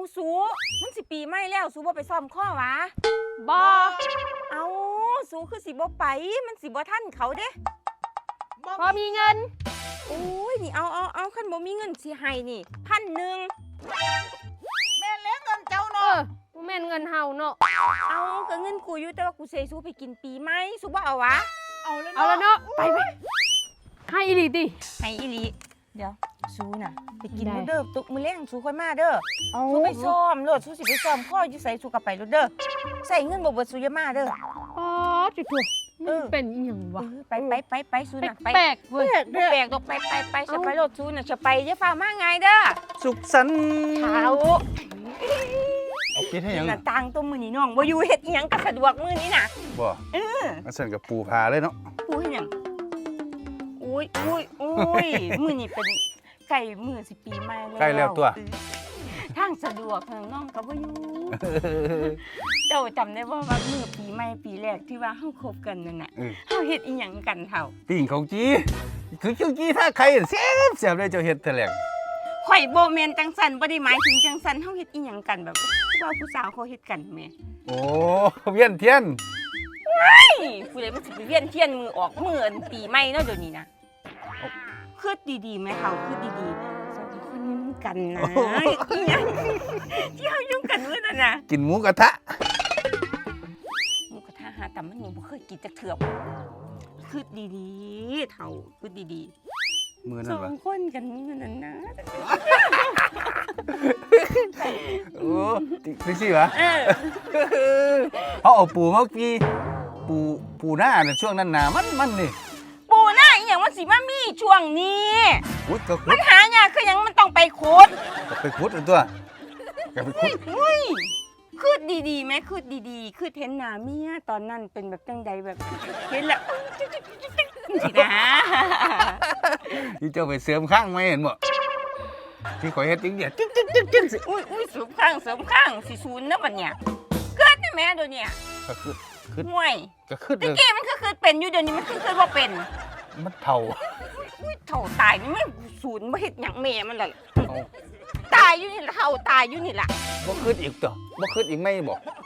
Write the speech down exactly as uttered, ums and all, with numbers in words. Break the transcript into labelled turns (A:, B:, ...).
A: สูมันสิปีใหม่แล้วสูบ่ไปซ้อมข้อวะ
B: บ่
A: เอาสูคือสิบ่ไปมันสิบ่ทันเขาเด้
B: พอมีเงิน
A: โอ้ยนี่เอาเอาเอาคันบ่มีเงินสิให้นี่พันหนึ่ง
C: แม่เลี้ยงเงินเจ้า
B: เอ
C: เนาะ
B: อบ่แม่นเงินเฮาเนาะ
A: เอาก็เงินกูอยู่แต่ว่ากูเซสูไปกินปีใหม่สูบ่เอาวะ
C: เอาแล้ว
B: เอาแล้วเนาะไปไปให้อีหลีติ
A: ให้อีหลีเดี๋ยวสูน่ะไปกิน
B: ได้
A: เด้อตุกมื้อแรงสูค่อยมาเด้อ
B: เอา
A: สูไปซ้อมโลดสูสิไปซ้อมข้ออยู่ไสสูก็ไปโลดเด้อใส่เงินบ่เบิดสูอย่ามาเด้อ
B: อ๋อจุดๆ
A: เอ
B: มัน
A: อ
B: เป็นอีหยังวะ
A: เออไปไปไปไปสูน่ะไป
B: แปลกๆเว้ย
A: บ่แปลกดอกไปไปไปจะไปโลดสูน่ะจะไปจะฟ้ามาไงเด้อ
D: สุขสันต์
A: เท้า
D: เอาปิดให้หยัง
A: หน้าต่างตัวมื้อนี้น้องบ่อยู่เฮ็ดอีหยังก็สะดวกมื้อนี้น่ะ
D: บ่
A: เออ
D: อันสั่นกับปูพาเลยเนาะ
A: กูเฮ็ดหยังอุ้ยอุ้ยอุ้ยมื้อนี้เป็นไก่มื้อสิปีใหม่แล้ว
D: ใกล้แล้วตัว
A: ทางสะดวกทางน้องก็บ่อยู่ เจ้าจำได้บ่ว่ามื้อปีใหม่ปีแรกที่ว่าเฮาคบกันนั่นน่ะ
D: เออ
A: เฮาเฮ็ดอีหยังกันเฒ่า
D: ปิ้งของจีคือเจ้าจีถ้าใครเสียบเสียบเลยเจ้าเฮ็ดแต่แหลง
A: ข่อยบ่แม่นจังซั่นบ่ได้หมายถึงจังซั่นเฮาเฮ็ดอีหยังกันแบบว่าผู้สาวเขาเฮ็ดกันแหม่
D: โอ้เวียนเทียน
A: เฮ้ยผู้ใดมันสิไปเวียนเทียนมือออกมื้ออันปีใหม่เนาะเดี๋ยวนี้นะคิดดีๆแม่เขาคิดดีๆสองคนนี้มันกันนะอีหยังที่เฮายุ่งกันมื้อนั้นน่ะ
D: กินหมูกระทะ
A: หมูกระทะหาแต่มันยังบ่เคยกินจักเทื่อคิดดีๆเฒ่าคิดดีๆ
D: มือ
A: ส
D: นั่น
A: อ
D: วะ
A: งคนกันมื้อนั้นนะ
D: โอ้ดิสิวะ
A: เออ
D: เขาเอาปูมากีปูปูหน้าน่ะช่วงนั้นน่ะมันมันนี่
A: ปูหน้าอีหยังมันสิมามีช่วงนี้
D: ขุดก็ขุ
A: มั
D: ด
A: นหายากคือหยังมันต้องไปขุด
D: ก็ไปขุดอันตัวก็ไปขุด
A: เฮ้ยคืดดีๆไหมคืดดีๆคืดเห็นหน้าเมียตอนนั้นเป็นแบบจังใดแบบเห็นแล้วสินะ
D: ที่เจ้าไปเสริมข้างไม่เห็นบ่ที่ข่อยเฮ็ดจริงเดียจึ๊กจึ๊กจึ๊กจึ๊กสิ
A: อุ้ยอุ้ยเสริมข้างเสริมข้างสิศูนย์นะบัดเนี่ยเกิดได้ไหมเดี๋ยวเนี้
D: ก็คือคือ
A: ห่วย
D: ก็คือ
A: ตะกี้มันคือคือเป็นอยู่เดี๋ยวนี้มันคือคือว่าเป็น
D: มันเท่า
A: อุ้ยเท่าตายนี่มันศูนย์บ่เฮ็ดหยังแม่มันล่ะ
D: เอา
A: ตายอยู่นี่ล่ะเท่าตายอยู่นี่ล่ะ
D: บ่คืดอีกตัวบ่คืดอีกไม่บอก